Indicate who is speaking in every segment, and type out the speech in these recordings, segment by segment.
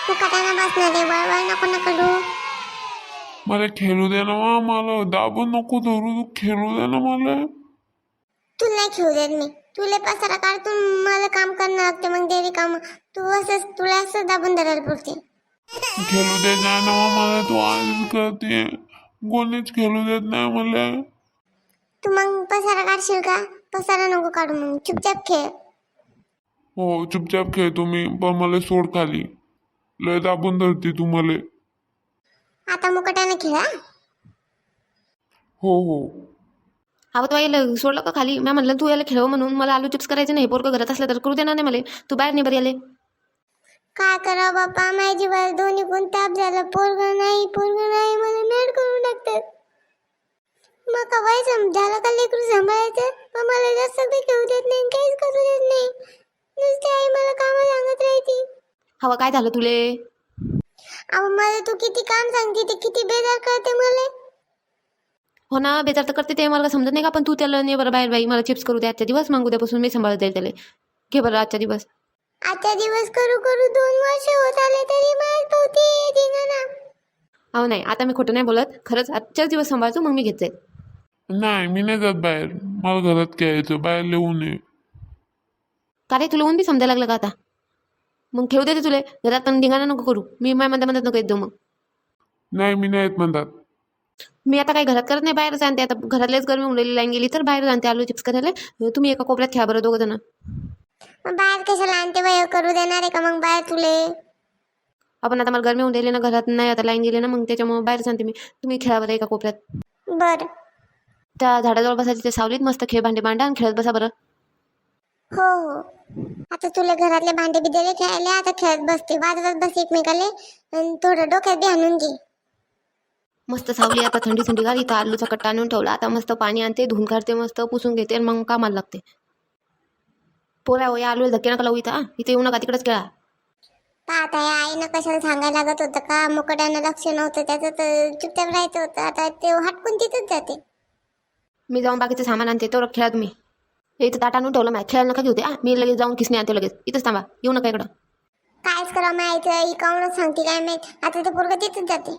Speaker 1: तू कटाना बसणार आहे, वळवळ नको ना करू.
Speaker 2: मला खेळू दे ना वा, मला दाबून नको धरू, तू खेळू दे ना मला.
Speaker 1: तुला नाही खेळू देत मी. तुला पसारा काढतून मला काम करणं लागते, मग डेली काम. तू असंच तुला असं दाबून धरायला पुरते.
Speaker 2: खेळू देत नाही ना वा मला, तू आधीच करते. कोणीच खेळू देत नाही मला.
Speaker 1: तू मग पसारा काढशील का? पसारा नको काढू, मग चुपचाप खेळ.
Speaker 2: हो चुपचाप खेळतो मी, पण मला सोड खाली. लय दाबून धरते तू मला.
Speaker 1: आता मुकट्याने खेळा.
Speaker 2: हो हो.
Speaker 3: अहो तो यायला सोडलं का खाली? मी म्हणलं तू याला खेळव म्हणून. मला आलू चिप्स करायचे नाही. पोरगं घरात असलं तर करू देणार नाही मला. तू बाहेर नाही बरं याले.
Speaker 1: काय करावं बाप्पा, माझ्या जीवाला दोन्ही गुण ताप झाला. पोरगं नाही मला मॅड करून टाकतात. मग कवाय झालं का लेकरू सांभाळायचं, पण मला जास्त काही खेळू देत नाही, काहीच करू देत नाही. नुसती आई मला कामं सांगत राहते.
Speaker 3: हवं काय झालं तुले?
Speaker 1: अहो मला तू किती काम सांगते, ते किती बेजार करते मला.
Speaker 3: हो ना, बेजार तर करते ते मला समजत नाही का? पण तू त्याला नाही बरं बाहेर बाई, मला चिप्स करू दे आजच्या दिवस, मग उद्यापासून मी सांभाळत जाईल त्याला. घे बरं आजच्या दिवस.
Speaker 1: आता दिवस करू करू 2 वर्ष होत आले तरी मला पोहते धिंगाणा.
Speaker 3: अहो नाही, आता मी खोटं नाही बोलत. खरंच आजच्याच दिवस सांभाळतो, मग मी घेत जाईल.
Speaker 2: नाही मी नाही जात बाहेर, मला घरात खेळायचं, बाहेर लिहू नये.
Speaker 3: का रे, तुला ऊन बी समजायला लागलं का आता? मग खेळू देते तुला घरात, पण धिंगाणा नको करू. मी माझ्या म्हणत नको येत जाऊ. मग
Speaker 2: नाही मी नाही येत म्हणतात.
Speaker 3: मी आता काही घरात करत नाही, बाहेर जाणते. आता घरातलेच गरमी उडलेली लाईन गेली तर बाहेर जाणते आलू चिप्स करायला. तुम्ही एका कोपऱ्यात खेळा बरं दोघं जण.
Speaker 1: मग बाहेर कशाला आणते बाई, करू देणार आहे का मग बाहेर तुले?
Speaker 3: आपण आता मला गरमी होऊन राहिली ना, घरात नाही आता लाईन गेली ना, मग त्याच्यामुळे बाहेर सांगते मी. तुम्ही खेळा बरं एका कोपऱ्यात.
Speaker 1: बर.
Speaker 3: त्या झाडाजवळ बसायची, त्या सावलीत मस्त खेळ भांडे मांडा आणि खेळत बसा बरं.
Speaker 1: हो हो. आता तुला घरातले भांडे बी दिले खेळायला, आता खेळत बसते, वाजवत बस एकमेकाले, आणि थोडं डोक्यात बी आणून घे.
Speaker 3: मस्त सावली, आता थंडी थंडी गार. इथं आलूचा कट्टा आणून ठेवला. आता मस्त पाणी आणते, धुवून काढते, मस्त पुसून घेते आणि मग कामाला लागते. पोरा हो, या आलू धक्के नका लावू इथं. इथे येऊ नका, तिकडेच खेळा.
Speaker 1: पाहता या आईनं कशाला सांगायला लागत होतं का? मुकट्यानं लक्ष नव्हतं त्याचं, तर चुपचाप राहायचं होतं. आता ते हटकून तिथंच जाते.
Speaker 3: मी जाऊन बाकीचं सामान आणते, तो खेळा तुम्ही. हे इथं ताट आणून ठेवलं माहिती, खेळायला नका घेऊ ते. मी लगेच जाऊन किसने आणते लगेच. इथंच थांबा, येऊ नका इकडं.
Speaker 1: कायच करावं माहिती, ही काऊनच सांगते काय माहित. आता ते पोरगं तिथंच जाते.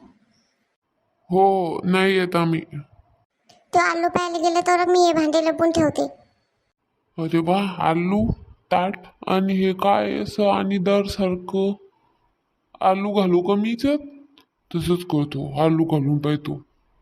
Speaker 2: हो नाही येत आम्ही.
Speaker 1: तो आलू प्यायला गेला तर मी हे भांडे लपून ठेवते.
Speaker 2: अरे वा, आलू ताट आणि हे काय असं आणि दर सारखं आलू घालू का मीच? तसंच करतो, आलू घालून पाहतो.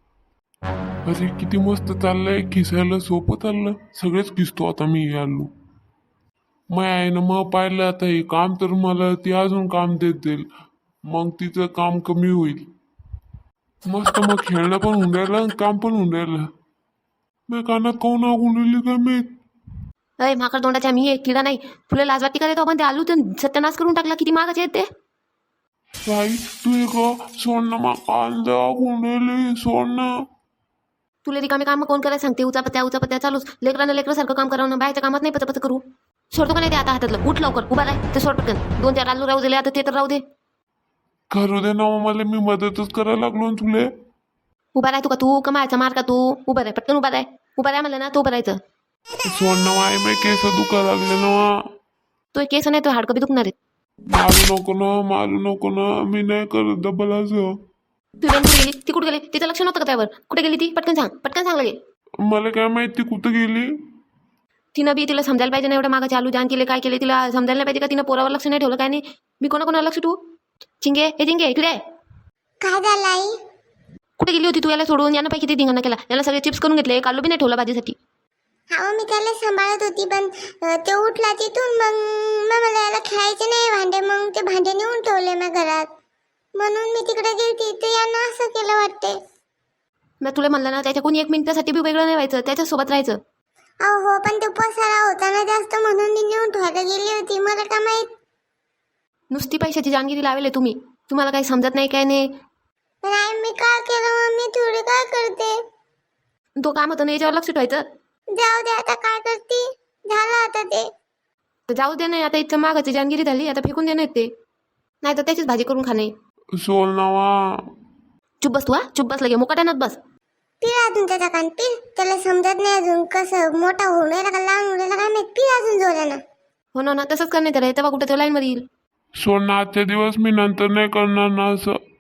Speaker 2: अरे किती मस्त चाललंय, खिसायला सोपं चाललं. सगळेच खिसतो आता मी हे आलू. मग आहे ना, मग पाहिलं आता हे काम तर मला ती अजून काम देत जाईल, मग तिचं काम कमी होईल. मस्त मग खेळणं पण होऊन राहिलं आणि काम पण होऊन राहिलं. मी कानात काऊन आगून राहिली काय माहित.
Speaker 3: अय माकड तोंडाच्या, मी एक किडा नाही. तुला लाज वाटते का रे? तो आपण ते आलू तर सत्यानाश करून टाकला. किती महागाचे आहेत ते.
Speaker 2: बाई तू एक सोड ना, मग कांदा आगून राहिली, सोड ना.
Speaker 3: तुला रिकामे काम कोण करायला सांगते? उचापत्या चालूच. लेकरानं लेकरासारखं काम करावं ना, बाहेरच्या कामात नाही पत करू. सोडतो का नाही ते आता हातातलं? उठ लवकर, उभा राह. ते सोड पटकन. 2-4 आलू राहू दिले, आता ते तर राहू दे.
Speaker 2: करू दे ना मग, मला मी मदतच करायला लागलो ना तुले.
Speaker 3: उभा राह तू, का तू कमायचा मार का तू? उभा राह पटकन, उभा राह म्हणलं ना, तो उभं राहायचं.
Speaker 2: सोड ना माय, मी केस दुखा लागले ना.
Speaker 3: तो केस नाही, तो हाडकं बी दुखणार आहे.
Speaker 2: मारू नको ना, मी नाही करत डबल असं.
Speaker 3: तू बँक कुठे गेली? ती कुठे गेली? तिचं लक्ष नव्हतं का त्यावर? कुठे गेली ती? पटकन सांग लगे.
Speaker 2: मला काय माहिती कुठं गेली.
Speaker 3: तिनं बी तिला समजायला पाहिजे ना, एवढ्या मागाचे आलू जाण केले, काय केले, तिला समजायला नाही पाहिजे का? तिनं पोरावर लक्ष नाही ठेवलं, काय नाही. मी कोणाला लक्ष ठेवू? चिंगे इकडे.
Speaker 1: काय झालं आई?
Speaker 3: कुठे गेली होती तू? याला सोडून यानं पैकी किती धिंगाणा केला. याला सगळे चिप्स करून घेतले, एक आलू बी नाही ठेवला भाजीसाठी.
Speaker 1: हा मी त्याला सांभाळत होती, पण ते उठला तिथून. मग मला याला खेळायचे नाही भांडे, मग ते भांडे नेऊन ठेवले मी घरात, म्हणून मी तिकडे गेली. ते यानं असं केलं वाटते.
Speaker 3: मी तुला म्हणलं ना, त्याच्या कोणी 1 मिनिटासाठी बी वेगळं नाही व्हायचं, त्याच्यासोबत राहायचं.
Speaker 1: हो पण ते पसारा होता ना जास्त, म्हणून मी नेऊन ठेवायला गेली होती. मला काय माहित.
Speaker 3: नुसती पैशाची जानगिरी लावले तुम्हाला काही समजत नाही, काय नाही.
Speaker 1: पण आई मी काय केलं मम्मी? थोडी काय करते?
Speaker 3: तो काम होतं ना, याच्यावर लक्ष ठेवायचं.
Speaker 1: जाऊ दे, आता काय करते, झालं आता ते.
Speaker 3: तर जाऊ दे नाही, आता इथं मागाची जानगिरी झाली, आता फेकून देणार ते. नाही तर त्याचीच भाजी करून खाणे.
Speaker 2: सोड ना वा.
Speaker 3: चुप बस तू, चुप बस लगे, मुकाट्यानच बस.
Speaker 1: पिल अजून त्याचा कान, पिल. त्याला समजत नाही अजून कसं मोठा होऊन राहिला का लहान होऊन राहिला काय माहित. पिल अजून जोरानं.
Speaker 3: हो ना, तसंच करणे त्याला. तेव्हा कुठं तो लाईन मध्ये येईल.
Speaker 2: सोड ना आजच्या दिवस, मी नंतर नाही करणार ना असं.